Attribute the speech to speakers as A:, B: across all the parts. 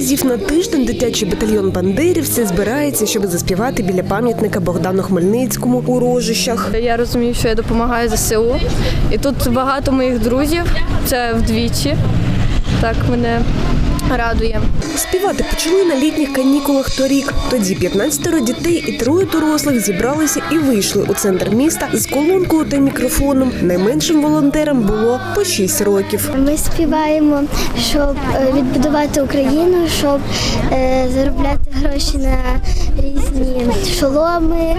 A: разів на тиждень дитячий батальйон бандерівців збирається, щоб заспівати біля пам'ятника Богдану Хмельницькому у Рожищах.
B: Я розумію, що я допомагаю ЗСУ. І тут багато моїх друзів, це вдвічі. Так мене радує.
A: Співати почали на літніх канікулах торік. Тоді 15 дітей і 3 дорослих зібралися і вийшли у центр міста з колонкою та мікрофоном. Найменшим волонтерам було по 6 років.
C: Ми співаємо, щоб відбудувати Україну, щоб заробляти гроші на різні шоломи,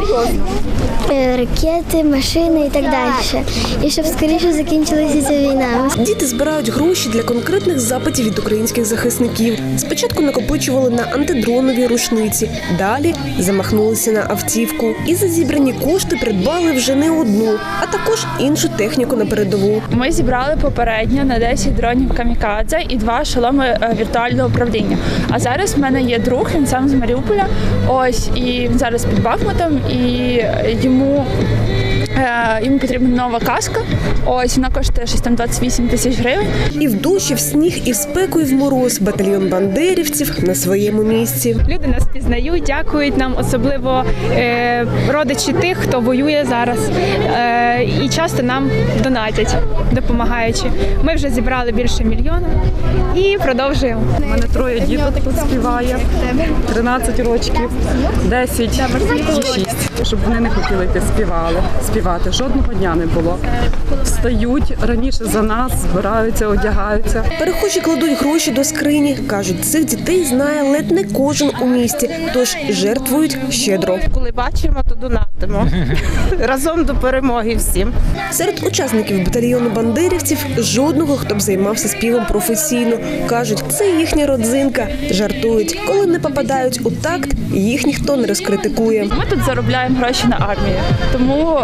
C: ракети, машини і так далі. І щоб скоріше закінчилася ця війна.
A: Діти збирають гроші для конкретних запитів від українських захисників. Спочатку накопичували на антидронові рушниці, далі замахнулися на автівку. І за зібрані кошти придбали вже не одну, а також іншу техніку на передову.
D: Ми зібрали попередньо на 10 дронів камікадзе і 2 шоломи віртуального управління. А зараз в мене є друг, він сам з Маріуполя. Ось, і він зараз під Бахмутом, і йому потрібна нова каска. Ось, вона коштує щось там 28 тисяч гривень.
A: І в дощі, в сніг, і в спеку, і в мороз батальйон бандерівців на своєму місці.
E: Люди нас пізнають, дякують нам, особливо родичі тих, хто воює зараз. І часто нам донатять, допомагаючи. Ми вже зібрали більше 1 мільйона і продовжуємо.
F: У мене 3 діток тут співає, 13 років, 10 і 6. Щоб вони не хотіли йти співати. Жодного дня не було. Встають раніше за нас, збираються, одягаються.
A: Перехожі кладуть гроші до скрині. Кажуть, цих дітей знає ледь не кожен у місті, тож жертвують щедро.
G: Коли бачимо, то донатимо. Разом до перемоги всім.
A: Серед учасників батальйону бандерівців жодного, хто б займався співом професійно. Кажуть, це їхня родзинка. Жартують, коли не попадають у такт, їх ніхто не розкритикує.
D: Ми тут заробляємо гроші на армію, тому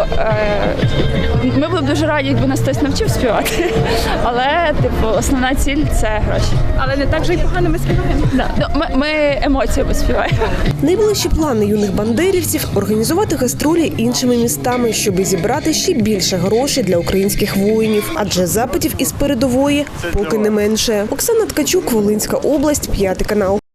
D: ми були б дуже раді, якби нас хтось навчив співати. Але основна ціль – це гроші.
E: Але не так же й погано ми співаємо.
D: Ми емоціями співаємо.
A: Найближчі плани юних бандерівців – організувати гастролі іншими містами, щоб зібрати ще більше грошей для українських воїнів. Адже запитів із передової поки не менше. Оксана Ткачук, Волинська область, 5 канал.